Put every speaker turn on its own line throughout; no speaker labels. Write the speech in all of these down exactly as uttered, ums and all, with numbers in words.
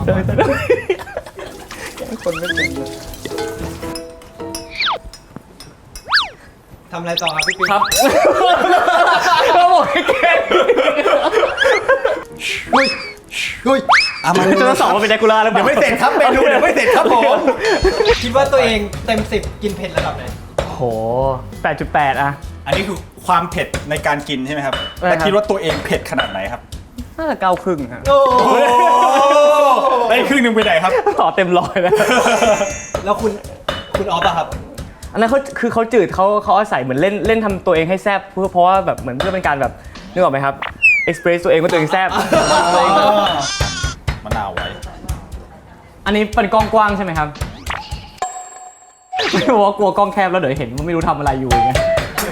เดินแต่แกล้งคนไม่เป็นเลย
ทำอะไรต่อครับพี่ปิ๊ก
ครับเราบอกให้แกล้ง
เฮ้ยเฮ้ยอ่ะมัน
จะต้องสอบว่าเป็นแดกูล่าหรือเปล่า
เดี๋ยวไม่เสร็จครับเมนูเดี๋ยวไม่เสร็จครับผม
คิดว่าตัวเองเต็มสิบกินเผ็ดระดับไหน
โห แปดจุดแปด อะ
อันนี้คือความเผ็ดในการกินใช่ไหมครับ
ใช่ครับ
แต่คิดว่าตัวเองเผ็ดขนาดไหนครับ
น่าจะเก้าครึ่งครับ
โอ้
ได้ครึ่งหนึ่งไปไหนครับ
ต่อเต็มร้อยแล้ว
แล้วคุณคุณออฟอะครับ
อันนั้นเขาคือเขาจืดเขาเขาอาศัยเหมือนเล่นเล่นทำตัวเองให้แซ่บเพื่อเพราะว่าแบบเหมือนเพื่อเป็นการแบบนึกออกไหมครับเอ็กซ์เพรสตัวเองว่าตัวเองแซ่บ
มะนาวไว้
อันนี้เป็นกล้องกว้างใช่ไหมครับไม่รู้ว่ากลัวกล้องแคบแล้วเดี๋ยวเห็นว่าไม่รู้ทำอะไรอยู่อย่างเงี้ย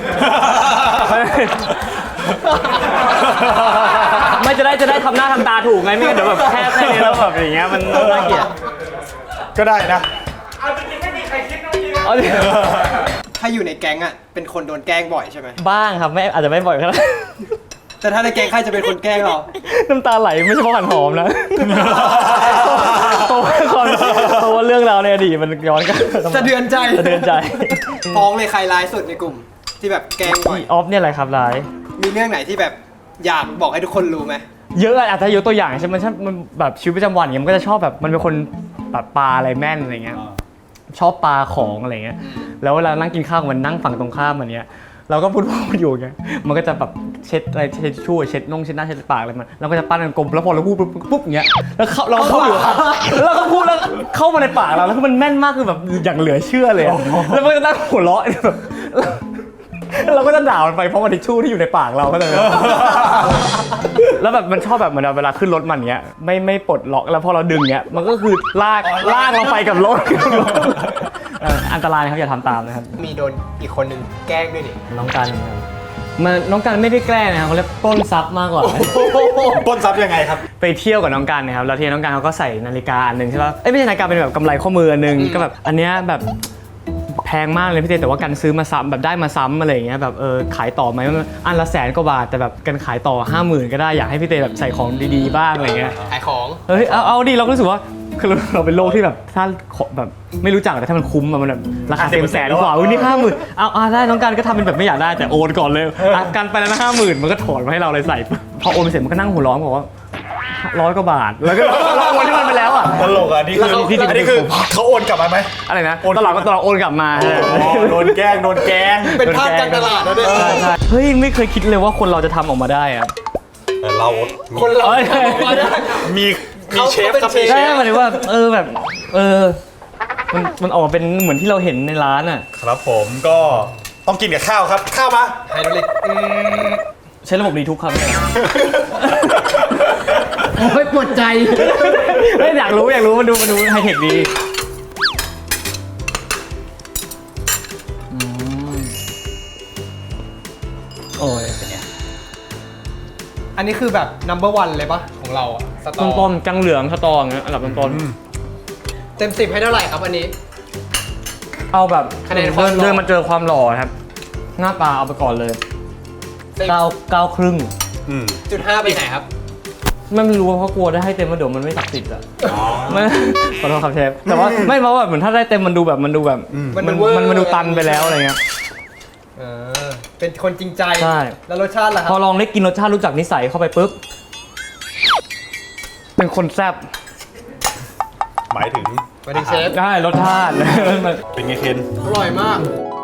ไม่จะได้จะได้ทำหน้าทำตาถูกไงไม่งั้นเดี๋ยวแบบแคบแค่นี้แล้วแบบอย่างเงี้ยมันน่าเกลียด
ก็ได้นะ
เอาดิ
ถ้าอยู่ในแก๊งอะเป็นคนโดนแกล้งบ่อยใช่ไหม
บ้างครับไม่อาจจะไม่บ่อยขนาดนั้น
แต่ถ้าในแก๊งใครจะเป็นคนแกล้งเรา
น้ำตาไหลไม่ใช่เพราะหันหอมนะเพราะว่าความเพราะว่าเรื่องราวในอดีตมันย้อนกัน
สะเทือนใจ
สะเทือนใจ
ฟ้องเลยใครร้ายสุดในกลุ่ม ที่แบบแกล้งบ่อย
อีออฟเนี่ยอะไรครับร้าย
มีเรื่องไหนที่แบบอยากบอกให้ทุกคนรู้ไหม
เยอะอะอาจจะยกตัวอย่างใช่ไหมมันชอบมันแบบชีวิตประจำวันอย่างเงี้ยมันก็จะชอบแบบมันเป็นคนแบบปลาอะไรแม่นอะไรเงี้ยชอบปลาของอะไรเงี้ยแล้วเวลานั่งกินข้าวมันนั่งฝั่งตรงข้ามมันเนี้ยเราก็พูดพูดอยู่ไงมันก็จะแบบเช็ดอะไรเช็ดชู่เช็ดน่องเช็ดหน้าเช็ดปากอะไรมันแล้วก็จะปั้นกันกลมแล้วพอเราพูดปุ๊บปุ๊บอย่างเงี้ยแล้วเขาเราเข้าอยู่แล้วเราก็พูดแล้วเข้ามาในปากเราแล้วคือมันแม่นมากคือแบบอย่างเหลือเชื่อเลยอะแล้วมันก็นั่งหัวเราะแบบเราก็จะด่ามันไปเพราะมันทิชชู่ที่อยู่ในปากเราก็เลยแล้วแบบมันชอบแบบเหมือนเวลาขึ้นรถมันเงี้ยไม่ไม่ปลดล็อกแล้วพอเราดึงเงี้ยมันก็คือลากลากเราไปกับรถเอ่ออันตรายนะครับอย่าทำตามนะครับ
มีโดนอีกคนนึงแกล้งด้วยนี่
น้องกันครับมันน้องกันไม่ได้แกล้งนะครับเขาเรียกปล้นทรัพย์มากกว่า
ปล้นทรัพย์ยังไงครับ
ไปเที่ยวกับน้องกันนะครับแล้วทีนี้น้องกันเขาก็ใส่นาฬิกาอันหนึ่งใช่ป่ะเอ้ยไม่ใช่นาฬิกาเป็นแบบกำไรข้อมืออันหนึ่งก็แบบอันเนี้ยแบบแพงมากเลยพี่เต้แต่ว่ากันซื้อมาซ้ำแบบได้มาซ้ำอะไรอย่างเงี้ยแบบเออขายต่อไหมอันละแสนกว่าบาทแต่แบบกันขายต่อห้าหมื่นก็ได้อยากให้พี่เต้แบบใส่ของดีๆบ้างอะไรเงี้ย
ขายของ
เฮ้ยเอาเอาดิเราก็รู้สึกว่าคือเราเราเป็นโลกที่แบบถ้าแบบไม่รู้จักแต่ถ้ามันคุ้มอะมันแบบราคาเต็มแสนกว่าอุ้ยนี่ห้าหมื่นเอาเอาได้น้องกันก็ทำเป็นแบบไม่อยากได้แต่โอนก่อนเลยอ่ะกันไปแล้วนะห้าหมื่นมันก็ถอนมาให้เราเลยใส่พอโอนไปเสร็จมันก็นั่งหัวร้อนบอกว่าร้อยกว่าบาทแล้วก็เราโอนที่มันไปแล้วอ่ะ
ตลกอ่ะนี่คือ
แล้วเขา
อันนี้คือเขาโอนกลับมาไหม
อะไรนะตลอดก็ตลอดโอนกลับมา
โดนแกล้งโดนแกล้ง
เป็นภาพการตลาดนะเนี่ย
ใช่ใช่เฮ้ยไม่เคยคิดเลยว่าคนเราจะทำออกมาได้อะ
แต่เรา
คนเรา
เอ้ย
มาได้
มีมี
เขา
เชฟ
เป็น
ครับ
เชฟ
ใช่หมายถึงว่าเออแบบเออมันมันออกมาเป็นเหมือนที่เราเห็นในร้านอ่ะ
ครับผมก็ต้องกินกับข้าวครับ ข้าวมา
ไฮโดรลิกอืม
ใช้ระบบรีทุกครับ
โอ้ยปวดใจ
ไม่อยากรู้อยากรู้มาดูมาดูไฮเทคดีอืมโอ้ยเป็นไง
อันนี้คือแบบ number one เลยปะของเราอะสตอ
ต้นต้นๆจังเหลืองสตองอันดับต้นต้น
เต็มสิบให้เท่าไหร่ครับอันนี้
ๆเอาแบบ
คะแนนความ
เดิน
หล่อ
เดินมาเจอความหล่อครับ หน้าตาเอาไปก่อนเลย
สิบ
เก้าเก้าครึ่ง
อืม
จุดห้าไปไหนครับ
ไม่รู้เพราะกลัวได้ให้เต็มมาเดี๋ยวมันไม่ศักดิ์สิทธิ์อะไม่ขอโทษครับเชฟแต่ว่าไม่เพราะว่าเหมือนถ้าได้เต็มมันดูแบบมันดูแบบ
มัน
มัน
เวอร์
มันมันดูตันไปแล้วอะไรเงี้ย
เออเป็นคนจริงใจ
ใช่
แล้วรสชาติล่ะค
พ
รั
อบ ลองได้กินรสชาติรู้จักนิสัยเข้าไปปุ๊บเป็นคนแซ่บ
หมายถึง
มาถึงเชฟ
ได้รสชาติ
เป็นไงเคน
อร่อยมาก